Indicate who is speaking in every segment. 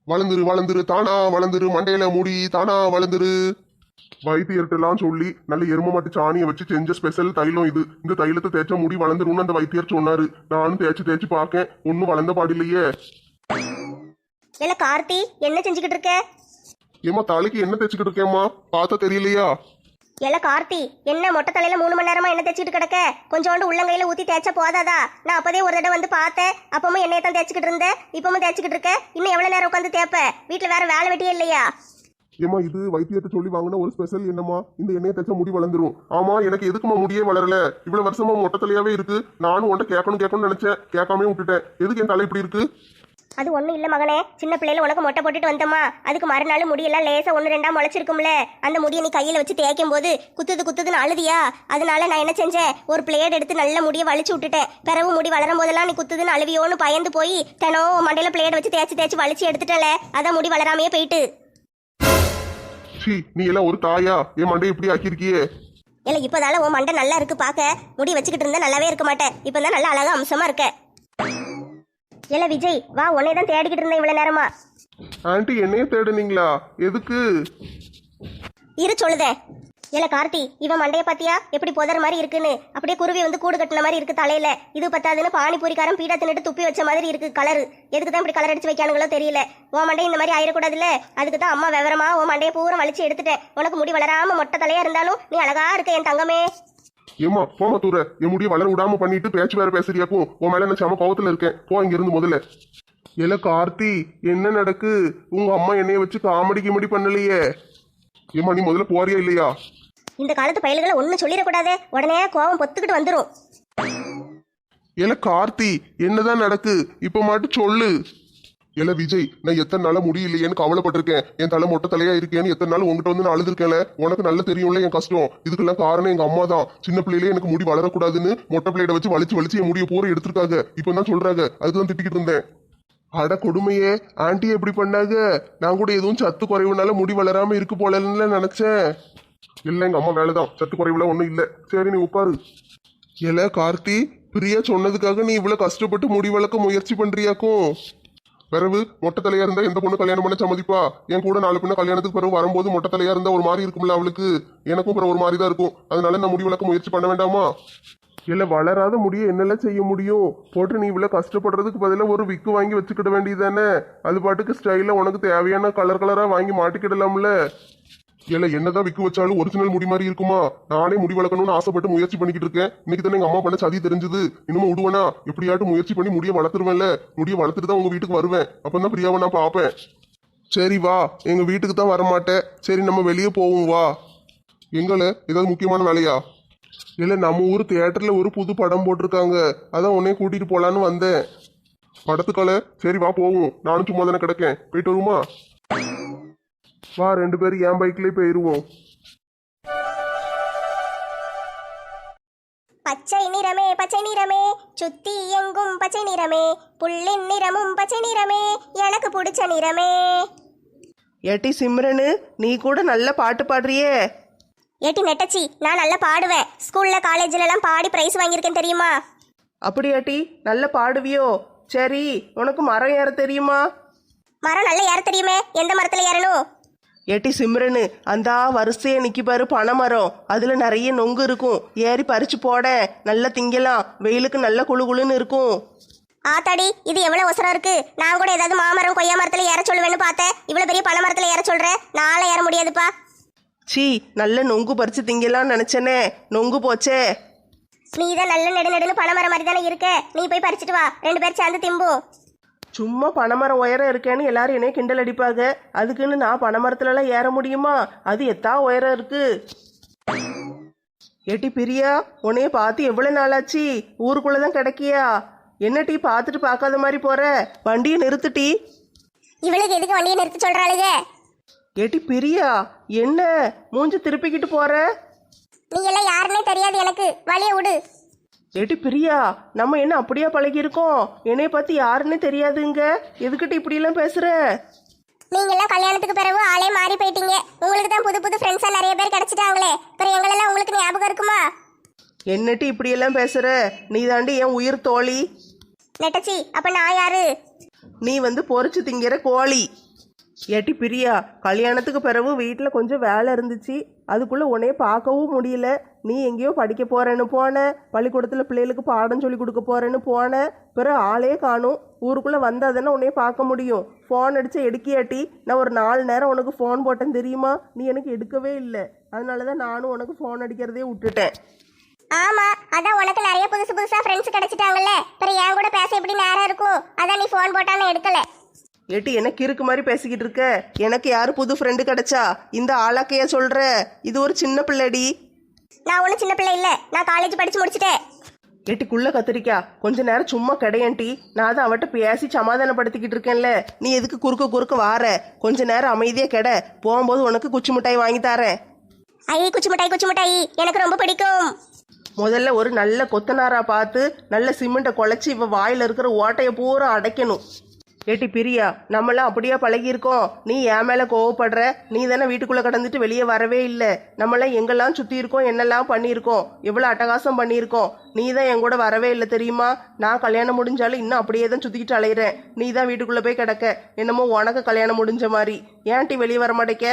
Speaker 1: வளர்ந்துரு வளர்ந்துரு தானா வளர்ந்துரு மண்டையில முடி தானா வளர்ந்துரு. வைத்தியர்கிட்டலாம் சொல்லி நல்ல எரும மாட்டு சாணியை வச்சு செஞ்ச ஸ்பெஷல் தைலம் இது. இந்த தைலத்தை தேய்ச்சா முடி வளர்ந்துரும்னு அந்த வைத்தியர் சொன்னாரு. நானும் தேய்ச்சி தேய்ச்சி பார்க்கேன், ஒன்னும் வளர்ந்த பாடில்லையே.
Speaker 2: இல்ல கார்த்தி, என்ன செஞ்சுக்கிட்டு இருக்க?
Speaker 1: ஏமா தலைக்கு என்ன தேய்ச்சிக்கிட்டு இருக்கேம்மா, பார்த்தா தெரியலையா?
Speaker 2: இல்ல கார்த்தி, என்ன மொட்டை தலையில 3 மணி நேரமா என்ன தேய்ச்சிட்டு கிடக்க? கொஞ்சோண்டு உள்ளங்கையில ஊத்தி தேய்ச்சா போதாதா? நான் அப்பதே ஒரு தடவை வந்து பார்த்தேன், அப்பவும் என்னைய தான் தேய்ச்சிக்கிட்டு இருந்தேன், இப்பவும் தேய்ச்சிக்கிட்டு இருக்க. இன்னும் எவ்வளவு நேரம் உட்காந்து தேய்ப்ப? வீட்டுல வேற வேலை வெட்டியே இல்லையா?
Speaker 1: ஏமா இது வைத்தியத்தை சொல்லி வாங்கின ஒரு ஸ்பெஷல் என்னம்மா, இந்த எண்ணெயை தேய்ச்சா முடி வளர்ந்துரும். ஆமா, எனக்கு எதுக்குமா முடியே வளரல? இவ்வளவு வருஷமா மொட்டை தலையாவே இருக்கு. நானும் உன்ட்ட கேட்கணும்னு நினைச்சேன், கேட்காம விட்டுட்டேன். எதுக்கு என் தலை இப்படி இருக்கு?
Speaker 2: அது ஒன்றும் இல்லை மகனே, சின்ன பிள்ளையில உனக்கு மொட்டை போட்டுட்டு வந்தோமா, அதுக்கு மறுநாள் முடியெல்லாம் லேசா 1-2 முளைச்சிருக்கும்ல, அந்த முடியை நீ கையில் வச்சு தேய்க்கும் போது குத்துதுன்னு அழுதியா? அதனால நான் என்ன செஞ்சேன், ஒரு பிளேட் எடுத்து நல்ல முடியை வலிச்சு விட்டுட்டேன். பிறகு முடி வளரும் போதெல்லாம் நீ குத்துதுன்னு அழுவியோன்னு பயந்து போய் தினம் மண்டையில பிளேட் வச்சு தேய்ச்சி வலிச்சு எடுத்துட்டல, அதான் முடி வளராமையே போயிட்டு.
Speaker 1: நீ எல்லாம் ஒரு தாயா, என் மண்டை இப்படி ஆக்கியிருக்கியே?
Speaker 2: இல்லை, இப்போதால உன் மண்டை நல்லா இருக்கு பார்க்க. முடி வச்சுக்கிட்டு இருந்தா நல்லாவே இருக்க மாட்டேன், இப்போ தான் நல்லா அழகா அம்சமா இருக்க. இல்ல விஜய், வா, உன்னை தான் தேடிக்கிட்டு இருந்தேன் இவ்வளவு நேரமா.
Speaker 1: ஆண்டி என்னைய தேடுனீங்களா? எதுக்கு?
Speaker 2: இரு சொல்லுதேன். இல்ல கார்த்தி, இவன் மண்டைய பாத்தியா எப்படி புதர் மாதிரி இருக்குன்னு? அப்படியே குருவி வந்து கூடு கட்டின மாதிரி இருக்கு தலையில. இது பத்தாதுன்னு பானிபூரிக்காரன் பீடா தின்னுட்டு துப்பி வச்ச மாதிரி இருக்கு கலரு. எதுக்கு தான் இப்படி கலர் அடிச்சு வைக்கானுங்களோ தெரியல. உன் மண்டை இந்த மாதிரி ஆயிடக்கூடாதுல்ல, அதுக்கு தான் அம்மா விவரமா உன் மண்டையை பூரா வலிச்சு எடுத்துட்டேன். உனக்கு முடி வளராம மொட்டை தலையா இருந்தாலும் நீ அழகா இருக்க என் தங்கமே.
Speaker 1: ஏமா போமா தூர, என் முடிய வளர விடாம பண்ணிட்டு பேச்சு வேற பேசுறியாக்கும். உன் மேல என்ன சம கோவத்துல இருக்கேன், போ இங்க இருந்து முதல்ல. இல்ல கார்த்தி, என்ன நடக்கு? உங்க அம்மா என்னைய வச்சு காமெடி கிமெடி பண்ணலையே. ஏமா நீ முதல்ல போறியா இல்லையா?
Speaker 2: இந்த காலத்து பயல்களை ஒன்னும் சொல்லிடக்கூடாது, உடனே கோவம் பொத்துக்கிட்டு வந்துரும்.
Speaker 1: இல்ல கார்த்தி, என்னதான் நடக்கு இப்ப மட்டும் சொல்லு. இல்ல விஜய், நான் எத்தனை நாளா முடியலையேன்னு கவலைப்பட்டிருக்கேன். என் தலை மொட்டை தலையா இருக்கேன்னு எத்தனை நாள் உங்ககிட்ட வந்து நான் அழுதுருக்கேன்ல. உனக்கு நல்லா தெரியும்ல என் கஷ்டம். இதுக்கெல்லாம் காரணம் எங்க அம்மா தான். சின்ன பிள்ளையிலே எனக்கு முடி வளரக்கூடாதுன்னு மொட்டை பிள்ளையிட வச்சு வலிச்சு என் முடிய பூரா எடுத்திருக்காங்க. இப்ப தான் சொல்றாங்க, அதுதான் திட்டிக்கிட்டு இருந்தேன். அட கொடுமையே, ஆண்டி எப்படி பண்ணாங்க? நான் கூட எதுவும் சத்து குறைவுனால முடி வளராம இருக்கு போலன்னு நினைச்சேன். இல்ல எங்க அம்மா வேலைதான், சத்து குறைவுல ஒண்ணும் இல்ல. சரி நீ உட்காரு. இல்ல கார்த்தி, பிரியா சொன்னதுக்காக நீ இவ்வளவு கஷ்டப்பட்டு முடி வளர்க்க முயற்சி பண்றியாக்கும். பிறகு மொட்டை தலையா இருந்தா எந்த பொண்ணு கல்யாணம் பண்ண சம்மதிப்பா? என் கூட 4 பொண்ணு கல்யாணத்துக்கு பிறகு வரும்போது மொட்டை தலையா இருந்தா ஒரு மாதிரி இருக்கும்ல அவளுக்கு. எனக்கும் பிறகு ஒரு மாதிரி தான் இருக்கும். அதனால நான் முடி வளர்க்க முயற்சி பண்ண வேண்டாமா? இல்ல வளராத முடிய என்னெல்லாம் செய்ய முடியும்? போட்டு நீ இவ்வளவு கஷ்டப்படுறதுக்கு பதிலாக ஒரு விக்கு வாங்கி வச்சுக்கிட வேண்டியதானே? அது பாட்டுக்கு ஸ்டைல உனக்கு தேவையான கலரா வாங்கி மாட்டிக்கிடலாம்ல. இல்ல என்னதான் விக்கு வச்சாலும் ஒரிஜினல் முடி மாதிரி இருக்குமா? நானே முடி வளர்க்கணும்னு ஆசைப்பட்டு முயற்சி பண்ணிக்கிட்டு இருக்கேன். இன்னைக்கு தானே எங்க அம்மா பண்ண சதி தெரிஞ்சது. இன்னமும் விடுவேனா? எப்படியாட்டும் முயற்சி பண்ணி முடிய வளர்த்துருவேன்ல. முடிய வளர்த்துட்டு தான் உங்க வீட்டுக்கு வருவேன். அப்பதான் பிரியாவை நான் பாப்பேன். சரி வா, எங்க வீட்டுக்கு தான் வரமாட்டேன். சரி நம்ம வெளியே போவோம் வா. எங்கள ஏதாவது முக்கியமான வேலையா? இல்ல நம்ம ஊர் தியேட்டர்ல ஒரு புது படம் போட்டிருக்காங்க, அதான் உன்னைய கூட்டிட்டு போலான்னு வந்தேன். படத்துக்கால சரி வா போவோம். நானும் சும்மா தானே கிடக்கேன், போயிட்டு வருமா? வா, 2 பேரும் என் பைக்லயே போயிருவோம்.
Speaker 2: பச்சை நிறமே சுத்தி எங்கும் பச்சை நிறமே, புள்ளின் நிறமும் பச்சை நிறமே, எனக்கு பிடிச்ச நிறமே.
Speaker 3: ஏட்டி சிம்ரனு, நீ கூட நல்ல பாட்டு பாடுறியே.
Speaker 2: ஏட்டி நெட்டச்சி, நான் நல்லா பாடுவேன். ஸ்கூல்ல காலேஜ்ல எல்லாம் பாடி பிரைஸ் வாங்கியிருக்கேன் தெரியுமா?
Speaker 3: அப்படியாட்டி, நல்ல பாடுவியோ? சரி, உனக்கு மரம் ஏற தெரியுமா?
Speaker 2: மரம் நல்லா ஏற தெரியுமே. எந்த மரத்துல ஏறணும்?
Speaker 3: ஏட்டி சிம்ரனு, அந்த வரிசையை நிக்கி பாரு பனை மரம், அதுல நிறைய நொங்கு இருக்கும். ஏறி பறிச்சு போட, நல்லா திங்கலாம். வெயிலுக்கு நல்ல குளுகுளுன்னு இருக்கும்.
Speaker 2: ஆத்தாடி, இது எவ்வளவு ஒசரம் இருக்கு. நான் கூட ஏதாவது மாமரம் கொய்யா மரத்துல ஏற சொல்லுவேன்னு பார்த்தேன். இவ்வளவு பெரிய பனை மரத்துல ஏற சொல்றேன், நாளை ஏற முடியாதுப்பா.
Speaker 3: சீ, நல்ல நொங்கு பறிச்சு திங்கலாம்னு நினைச்சனே, நொங்கு போச்சே.
Speaker 2: நீ தான் நல்ல நெடுன்னு பனை மரம் மாதிரி தானே இருக்க. நீ போய் பறிச்சுட்டு வா, 2 பேர் சேர்ந்து திம்போம்.
Speaker 3: சும்மா பனைமரம் உயரம் இருக்கேன்னு எல்லாரும் என்னைய கிண்டல் அடிப்பாங்க. அதுக்குன்னு நான் பனைமரத்துலலாம் ஏற முடியுமா? அது எத்தா உயரம் இருக்கு. ஏட்டி பிரியா, உன்னைய பார்த்து எவ்வளவு நாளாச்சு? ஊருக்குள்ளதான் கிடைக்கியா? என்ன டீ பார்த்துட்டு பார்க்காத மாதிரி போற? வண்டியை நிறுத்துட்டி.
Speaker 2: இவளுக்கு எதுக்கு வண்டியை நிறுத்த சொல்றாளுங்க?
Speaker 3: ஏட்டி பிரியா, என்ன மூஞ்சி திருப்பிக்கிட்டு போற?
Speaker 2: நீ எல்லாம் யாருன்னே தெரியாது எனக்கு, வழிய விடு.
Speaker 3: ஏட்டி பிரியா, நம்ம என்ன அப்படியா பழகி இருக்கோம்? என்னைய பார்த்து யாருன்னு தெரியாதுங்க, எதுக்கிட்ட இப்படியெல்லாம் பேசுற?
Speaker 2: நீங்க எல்லாம் கல்யாணத்துக்கு பிறகு ஆளே மாறி போயிட்டீங்க. உங்களுக்கு தான் புது புது ஃப்ரெண்ட்ஸா நிறைய பேர் கிடைச்சிட்டாங்களே. அப்புறம் எங்களெல்லாம் உங்களுக்கு ஞாபகம் இருக்குமா?
Speaker 3: என்னட்டி இப்படியெல்லாம் பேசுற? நீ தாண்டி என் உயிர் தோழி.
Speaker 2: நெட்டச்சி, அப்ப நான் யாரு?
Speaker 3: நீ வந்து பொறிச்சு திங்கிற கோழி. ஏட்டி பிரியா, கல்யாணத்துக்கு பிறகு வீட்டில் கொஞ்சம் வேலை இருந்துச்சு. அதுக்குள்ளே உன்னைய பார்க்கவும் முடியல. நீ எங்கேயோ படிக்க போறேன்னு போன, பள்ளிக்கூடத்தில் பிள்ளைகளுக்கு பாடம் சொல்லி கொடுக்க போறேன்னு போன, பிறகு ஆளே காணும். ஊருக்குள்ளே வந்தால் தானே உன்னைய பார்க்க முடியும். ஃபோன் அடிச்சா எடுக்கியாட்டி? நான் ஒரு 4 நேரம் உனக்கு ஃபோன் போட்டேன் தெரியுமா? நீ எனக்கு எடுக்கவே இல்லை. அதனால தான் நானும் உனக்கு ஃபோன் அடிக்கிறதே விட்டுட்டேன்.
Speaker 2: ஆமா, அதான் உனக்கு நிறைய புதுசு புதுசா ஃப்ரெண்ட்ஸ் கிடைச்சிட்டாங்கல்ல, அப்புறம் என் கூட பேச எப்படி நேரம் இருக்கும்? அதான் நீ ஃபோன் போட்டான்னு எடுக்கல.
Speaker 3: ஏட்டி எனக்கு இருக்கு மாதிரி பேசிக்கிட்டு இருக்க? எனக்கு யாரு புது ஃப்ரெண்டு கிடைச்சா? இந்த ஆளாக்கையா சொல்ற? இது ஒரு சின்ன பிள்ளைடி.
Speaker 2: நான் ஒன்றும் சின்ன பிள்ளை இல்லை, நான் காலேஜ் படிச்சு முடிச்சிட்டேன்.
Speaker 3: ஏட்டிக்குள்ள கத்திரிக்கா, கொஞ்ச நேரம் சும்மா கிடையாண்டி. நான் தான் அவட்ட பேசி சமாதானப்படுத்திக்கிட்டு இருக்கேன்ல. நீ எதுக்கு குறுக்க வார? கொஞ்ச நேரம் அமைதியா கெட. போகும்போது உனக்கு குச்சி மிட்டாய் வாங்கி தரேன்.
Speaker 2: ஐயே, குச்சி மிட்டாய் எனக்கு ரொம்ப பிடிக்கும்.
Speaker 3: முதல்ல ஒரு நல்ல கொத்தனாரா பார்த்து நல்ல சிமெண்ட்டை குழச்சி இவ வாயில இருக்கிற ஓட்டையை பூரா அடைக்கணும். ஏட்டி பிரியா, நம்மளாம் அப்படியே பழகியிருக்கோம். நீ என் மேலே கோவப்படுற? நீ தானே வீட்டுக்குள்ளே கடந்துட்டு வெளியே வரவே இல்லை. நம்மளாம் எங்கெல்லாம் சுற்றி இருக்கோம், என்னெல்லாம் பண்ணியிருக்கோம், எவ்வளோ அட்டகாசம் பண்ணியிருக்கோம். நீ தான் என் கூட வரவே இல்லை தெரியுமா? நான் கல்யாணம் முடிஞ்சாலும் இன்னும் அப்படியே தான் சுற்றிக்கிட்டு அலையிறேன். நீ தான் வீட்டுக்குள்ளே போய் கிடக்க. என்னமோ உனக்கு கல்யாணம் முடிஞ்ச மாதிரி. ஏன்ட்டி வெளியே வர மாட்டேக்க?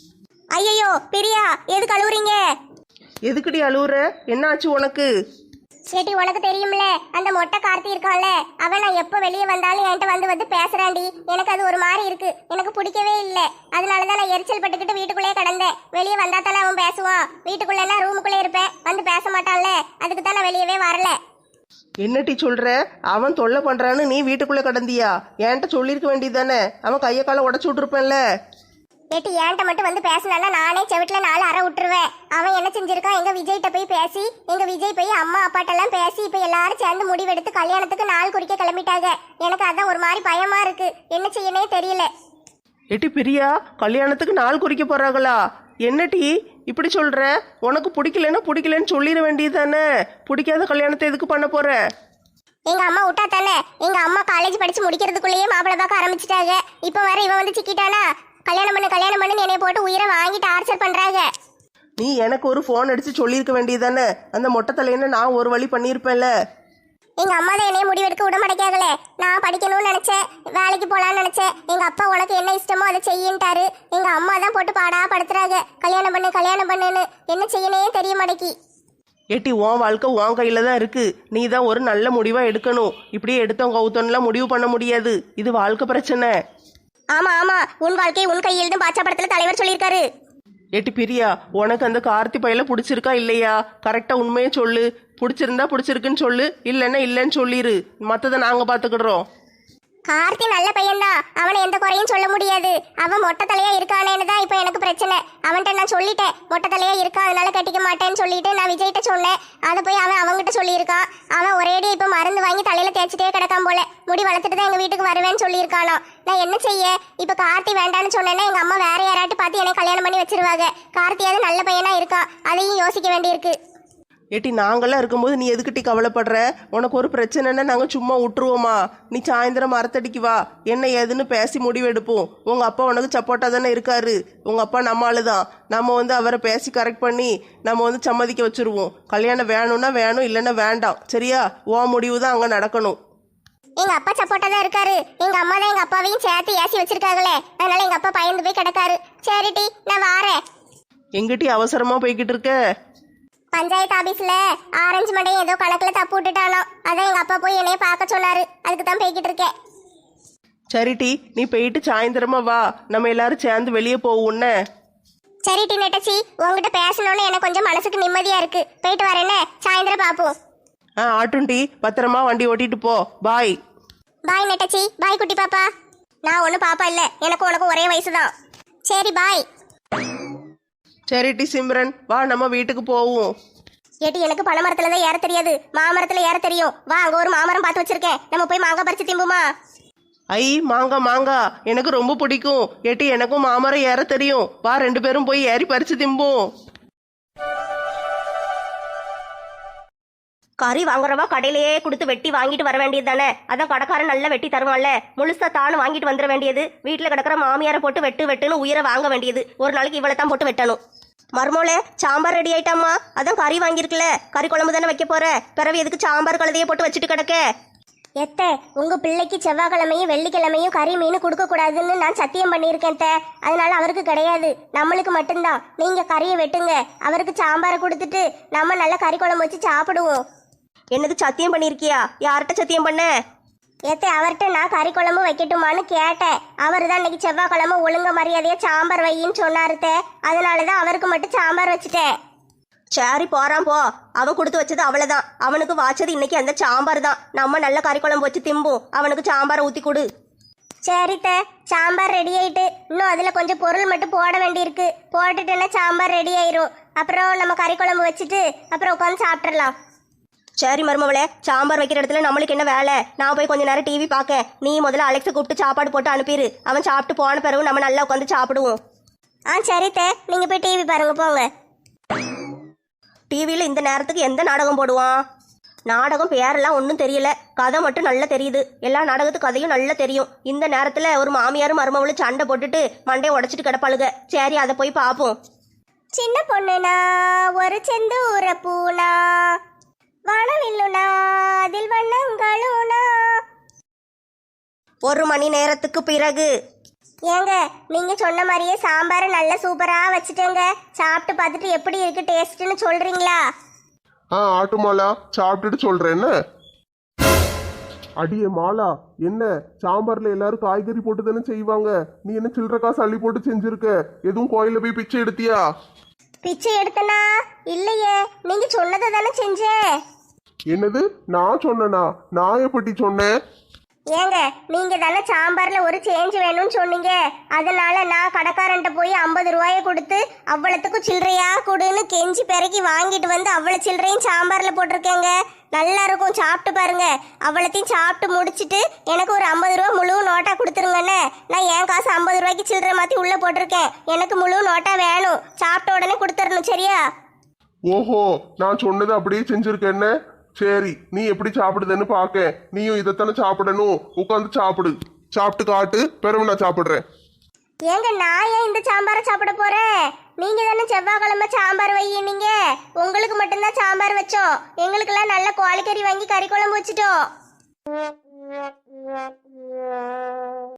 Speaker 2: ஐயோ பிரியா, எதுக்கு அழுவுறீங்க?
Speaker 3: எதுக்குடி அழுவுற? என்ன ஆச்சு உனக்கு?
Speaker 2: சேட்டி, உனக்கு தெரியும்ல, அந்த மொட்டை கார்த்தி இருக்கான்ல, அவன் நான் எப்போ வெளியே வந்தாலும் என்கிட்ட வந்து பேசுறான்டி. எனக்கு அது ஒரு மாதிரி இருக்கு, எனக்கு பிடிக்கவே இல்லை. அதனாலதான் நான் எரிச்சல் பட்டுக்கிட்டு வீட்டுக்குள்ளேயே கிடந்தேன். வெளியே வந்தா தானே அவன் பேசுவான். வீட்டுக்குள்ளேன்னா ரூமுக்குள்ளே இருப்பேன், வந்து பேச மாட்டான்ல. அதுக்கு தான் நான் வெளியவே வரல.
Speaker 3: என்னட்டி சொல்ற? அவன் தொல்லை பண்றான்னு நீ வீட்டுக்குள்ள கடந்தியா? என்கிட்ட சொல்லியிருக்க வேண்டியதானே? அவன் கையை காலை உடச்சு விட்டுருப்பேன்ல.
Speaker 2: ஏட்டி, ஏன்ட்ட மட்டும் வந்து பேசினானா நானே செவிட்டில் 4 அறை விட்டுருவேன். அவன் என்ன செஞ்சிருக்கான்? எங்க விஜய்கிட்ட போய் பேசி, எங்க விஜய் போய் அம்மா அப்பாட்டெல்லாம் பேசி, இப்போ எல்லாரும் சேர்ந்து முடிவெடுத்து கல்யாணத்துக்கு நாள் குறிக்க கிளம்பிட்டாங்க. எனக்கு அதான் ஒரு மாதிரி பயமா இருக்கு, என்ன செய்யனே தெரியல.
Speaker 3: ஏட்டி பிரியா, கல்யாணத்துக்கு நாள் குறிக்க போறாங்களா? என்னட்டி இப்படி சொல்ற? உனக்கு பிடிக்கலன்னு சொல்லிட வேண்டியதானே? பிடிக்காத கல்யாணத்தை எதுக்கு பண்ண போற?
Speaker 2: எங்க அம்மா விட்டா தானே. எங்க அம்மா காலேஜ் படிச்சு முடிக்கிறதுக்குள்ளேயே மாப்பிள்ளை பார்க்க ஆரம்பிச்சிட்டாங்க. இப்போ வர இவன் வந்து சிக்கிட்டானா? கல்யாணம் பண்ணு என்னைய போட்டு உயிரை வாங்கி டார்ச்சர் பண்றாங்க.
Speaker 3: நீ எனக்கு ஒரு ஃபோன் அடிச்சு சொல்லியிருக்க வேண்டியதானே? அந்த மொட்டை தலையன்னு நான் ஒரு வழி பண்ணியிருப்பேன்ல.
Speaker 2: எங்க அம்மா தான் என்னைய முடிவெடுக்க விட மாட்டேங்காங்களே. நான் படிக்கணும்னு நினைச்சேன், வேலைக்கு போலான்னு நினைச்சேன். எங்க அப்பா உனக்கு என்ன இஷ்டமோ அதை செய்யின்ட்டாரு. எங்க அம்மா தான் போட்டு பாடா படுத்துறாங்க, கல்யாணம் பண்ணுன்னு. என்ன செய்யனே தெரிய மாட்டேக்கி.
Speaker 3: ஏட்டி, உன் வாழ்க்கை உன் கையில தான் இருக்கு. நீ தான் ஒரு நல்ல முடிவா எடுக்கணும். இப்படியே எடுத்தோம் கவுத்தோன்னுலாம் முடிவு பண்ண முடியாது. இது வாழ்க்கை பிரச்சனை.
Speaker 2: ஆமா, உன் வாழ்க்கை உன் கையில் பாச்சா படத்துல தலைவர் சொல்லியிருக்காரு.
Speaker 3: ஏட்டி பிரியா, உனக்கு அந்த கார்த்தி பையில பிடிச்சிருக்கா இல்லையா? கரெக்டா உண்மையே சொல்லு. பிடிச்சிருந்தா பிடிச்சிருக்குன்னு சொல்லு, இல்லைன்னா இல்லைன்னு சொல்லிடு. மற்றதை நாங்க பாத்துக்கிடுறோம்.
Speaker 2: கார்த்தி நல்ல பையன்தான், அவனை எந்த குறையும் சொல்ல முடியாது. அவன் மொட்டை தலையா இருக்கானேன்னு தான் இப்போ எனக்கு பிரச்சனை. அவன்கிட்ட நான் சொல்லிட்டேன், மொட்டை தலையா இருக்கா, அதனால கட்டிக்க மாட்டேன்னு சொல்லிட்டு நான் விஜய்கிட்ட சொன்னேன். அதை போய் அவன் அவங்ககிட்ட சொல்லியிருக்கான். அவன் ஒரேடி இப்போ மருந்து வாங்கி தலையில தேய்ச்சிட்டே கிடக்கான் போல. முடி வளர்த்துட்டு தான் எங்க வீட்டுக்கு வருவேன்னு சொல்லியிருக்கானோ. நான் என்ன செய்ய? இப்போ கார்த்தி வேண்டான்னு சொன்னேன்னா எங்க அம்மா வேற யாராட்டி பார்த்து என்னை கல்யாணம் பண்ணி வச்சிருவாங்க. கார்த்தியாவது நல்ல பையனா இருக்கா, அதையும் யோசிக்க வேண்டியிருக்கு.
Speaker 3: ஏட்டி, நாங்கெல்லாம் இருக்கும்போது நீ எதுக்கிட்டி கவலைப்படுற? உனக்கு ஒரு பிரச்சனைன்னா நாங்கள் சும்மா விட்டுருவோமா? நீ சாயந்தரம் மரத்தடிக்கு வா, என்ன ஏதுன்னு பேசி முடிவெடுப்போம். உங்கள் அப்பா உனக்கு சப்போர்ட்டாக தானே இருக்காரு. உங்கள் அப்பா நம்ம ஆளுதான். நம்ம அவரை பேசி கரெக்ட் பண்ணி நம்ம சம்மதிக்க வச்சுருவோம். கல்யாணம் வேணும்னா வேணும், இல்லைன்னா வேண்டாம். சரியா? உன் முடிவு தான் அங்கே நடக்கணும்.
Speaker 2: எங்க அப்பா சப்போர்ட்டா தான் இருக்காரு. எங்க அம்மா தான் எங்க அப்பாவையும் சேர்த்து ஏசி வச்சிருக்காங்களே, அதனால எங்க அப்பா பயந்து போய் கிடக்காரு. சரிட்டி, நான் வாரேன்.
Speaker 3: எங்கிட்டி அவசரமா போய்கிட்டு இருக்க?
Speaker 2: பஞ்சாயத்து ஆபீஸ்ல ஆரஞ்சு மண்டையும் ஏதோ கணக்குல தப்பு விட்டுட்டானோ, அதான் எங்க அப்பா போய் என்னைய பார்க்க சொன்னாரு. அதுக்கு தான் போய்கிட்டு இருக்கேன்.
Speaker 3: சரிட்டி, நீ போயிட்டு சாயந்தரமா வா, நம்ம எல்லாரும் சேர்ந்து வெளியே போவோம்னு.
Speaker 2: சரிட்டி நெட்டச்சி, உங்ககிட்ட பேசணும்னு எனக்கு கொஞ்சம் மனசுக்கு நிம்மதியா இருக்கு. போயிட்டு வரேன்னு, சாயந்தரம் பாப்போம்.
Speaker 3: ஆட்டுண்டி, பத்திரமா வண்டி ஓட்டிட்டு போ. பாய்.
Speaker 2: பாய் நெட்டச்சி, பாய் குட்டி பாப்பா. நான் ஒன்றும் பாப்பா இல்லை, எனக்கு உனக்கு ஒரே வயசு தான். சரி பாய்.
Speaker 3: சரிட்டி சிம்ரன், வா நம்ம வீட்டுக்கு போவோம்.
Speaker 2: ஏட்டி, எனக்கு பனை மரத்துல தான் ஏற தெரியாது, மாமரத்துல ஏற தெரியும். வா, அங்க ஒரு மாமரம் பார்த்து வச்சிருக்கேன், நம்ம போய் மாங்காய் பறிச்சு திம்புமா?
Speaker 3: ஐ, மாங்கா எனக்கு ரொம்ப பிடிக்கும். ஏட்டி, எனக்கும் மாமரம் ஏற தெரியும். வா, 2 பேரும் போய் ஏறி பறிச்சு திம்போம்.
Speaker 4: கறி வாங்குறவா கடையிலேயே கொடுத்து வெட்டி வாங்கிட்டு வர வேண்டியது தானே? அதான் கடைக்காரன் நல்லா வெட்டி தருவான்ல, முழுசா தானும் வாங்கிட்டு வந்துட வேண்டியது. வீட்டில் கிடக்கிற மாமியாரை போட்டு வெட்டுன்னு உயிரை வாங்க வேண்டியது. ஒரு நாளைக்கு இவ்வளோ தான் போட்டு வெட்டணும். மர்மோளே, சாம்பார் ரெடி ஆயிட்டாமா? அதான் கறி வாங்கியிருக்குல்ல, கறி குழம்பு தானே வைக்க போற. பிறகு எதுக்கு சாம்பார் கழுதையை போட்டு வச்சுட்டு கிடக்க?
Speaker 2: எத்த உங்க பிள்ளைக்கு செவ்வாய்க்கிழமையும் வெள்ளிக்கிழமையும் கறி மீன் கொடுக்க கூடாதுன்னு நான் சத்தியம் பண்ணியிருக்கேன் அத்தை. அதனால அவருக்கு கிடையாது, நம்மளுக்கு மட்டும்தான். நீங்க கறியை வெட்டுங்க, அவருக்கு சாம்பாரை கொடுத்துட்டு நம்ம நல்ல கறி குழம்பு வச்சு சாப்பிடுவோம்.
Speaker 4: என்னது சத்தியம் பண்ணியிருக்கியா? யார்கிட்ட சத்தியம் பண்ண?
Speaker 2: ஏத்தே அவர்கிட்ட நான் கறி குழம்பு வைக்கட்டுமான்னு கேட்டேன். அவர் தான் இன்னைக்கு செவ்வாய்க்கிழமை ஒழுங்க மரியாதையா சாம்பார் வையின்னு சொன்னாருத்தே. அதனாலதான் அவருக்கு மட்டும் சாம்பார் வச்சுட்டேன்.
Speaker 4: சரி போறான் போ. அவன் கொடுத்து வச்சது அவ்வளவுதான். அவனுக்கு வாச்சது இன்னைக்கு அந்த சாம்பார் தான். நம்ம நல்ல கறி குழம்பு வச்சு திம்போம். அவனுக்கு சாம்பாரை ஊத்தி கொடு.
Speaker 2: சரித்த, சாம்பார் ரெடி ஆயிட்டு. இன்னும் அதுல கொஞ்சம் பொருள் மட்டும் போட வேண்டியிருக்கு. போட்டுட்டேன்னா சாம்பார் ரெடி ஆயிரும். அப்புறம் நம்ம கறி குழம்பு வச்சுட்டு அப்புறம் உட்காந்து சாப்பிட்றலாம்.
Speaker 4: சரி மருமவளே, சாம்பார் வைக்கிற இடத்துல நம்மளுக்கு என்ன வேலை? நான் போய் கொஞ்ச நேரம் டிவி பார்க்க. நீ முதல்ல அலெக்ஸை கூப்பிட்டு சாப்பாடு போட்டு அனுப்பிடு. அவன் சாப்பிட்டு போன பிறகு நம்ம நல்லா உட்காந்து சாப்பிடுவோம்.
Speaker 2: சரித்த, நீங்க போய் டிவி பாருங்க போங்க.
Speaker 4: டிவியில் இந்த நேரத்துக்கு எந்த நாடகம் போடுவான்? நாடகம் பேரெல்லாம் ஒன்றும் தெரியல, கதை மட்டும் நல்லா தெரியுது. எல்லா நாடகத்து கதையும் நல்லா தெரியும். இந்த நேரத்தில் ஒரு மாமியாரும் மருமவளும் சண்டை போட்டுட்டு மண்டையை உடச்சிட்டு கிடப்பாளுக. சரி அதை போய் பார்ப்போம்.
Speaker 2: சின்ன பொண்ணுனா ஒரு செந்தூர பூனா, வானவில்லுனா அதில் வண்ணங்களுனா.
Speaker 4: 1 மணி நேரத்துக்கு பிறகு.
Speaker 2: ஏங்க நீங்க சொன்ன மாதிரியே சாம்பார் நல்ல சூப்பரா வச்சுட்டேங்க. சாப்பிட்டு பார்த்துட்டு எப்படி இருக்கு டேஸ்ட்னு சொல்றீங்களா?
Speaker 1: ஆட்டு மாலா, சாப்பிட்டுட்டு சொல்றேன். என்ன அடியே மாலா, என்ன சாம்பார்ல எல்லாரும் காய்கறி போட்டு தானே செய்வாங்க. நீ என்ன சில்லற காசு அள்ளி போட்டு செஞ்சிருக்க? எதுவும் கோயில போய் பிச்சை எடுத்தியா?
Speaker 2: பிச்சை எடுத்தனா? இல்லையே, நீங்க சொன்னதை தானே செஞ்சேன்.
Speaker 1: என்னது நான் சொன்னனா? நான் எப்படி சொன்னேன்?
Speaker 2: ஏங்க நீங்க தானே சாம்பார்ல ஒரு சேஞ்ச் வேணும்னு சொன்னீங்க. அதனால நான் கடைக்காரன்ட்ட போய் 50 ரூபாயை கொடுத்து அவ்வளத்துக்கும் சில்லறையா கொடுன்னு கெஞ்சி பெருக்கி வாங்கிட்டு வந்து அவ்வளவு சில்லறையும் சாம்பார்ல போட்டிருக்கேங்க. நல்லா இருக்கும், சாப்பிட்டு பாருங்க. அவ்வளத்தையும் சாப்பிட்டு முடிச்சிட்டு எனக்கு ஒரு 50 ரூபா முழு நோட்டா கொடுத்துருங்கண்ணே. நான் என் காசு 50 ரூபாய்க்கு சில்லறை மாத்தி உள்ள போட்டிருக்கேன். எனக்கு முழு நோட்டா வேணும். சாப்பிட்ட உடனே கொடுத்துடணும், சரியா?
Speaker 1: ஓஹோ, நான் சொன்னது அப்படியே செஞ்சிருக்கேன்னு. சரி, நீ எப்படி சாப்பிடுதுன்னு பாக்க. நீயும் இதைத்தானே சாப்பிடணும். உட்காந்து சாப்பிடு. சாப்பிட்டு காட்டு, பிறகு நான் சாப்பிடுறேன்.
Speaker 2: ஏங்க நான் ஏன் இந்த சாம்பாரை சாப்பிட போறேன்? நீங்க தானே செவ்வாய்க்கிழமை சாம்பார் வையினீங்க. உங்களுக்கு மட்டும்தான் சாம்பார் வச்சோம். எங்களுக்கெல்லாம் நல்ல கோழிக்கறி வாங்கி கறி குழம்பு வச்சுட்டோம்.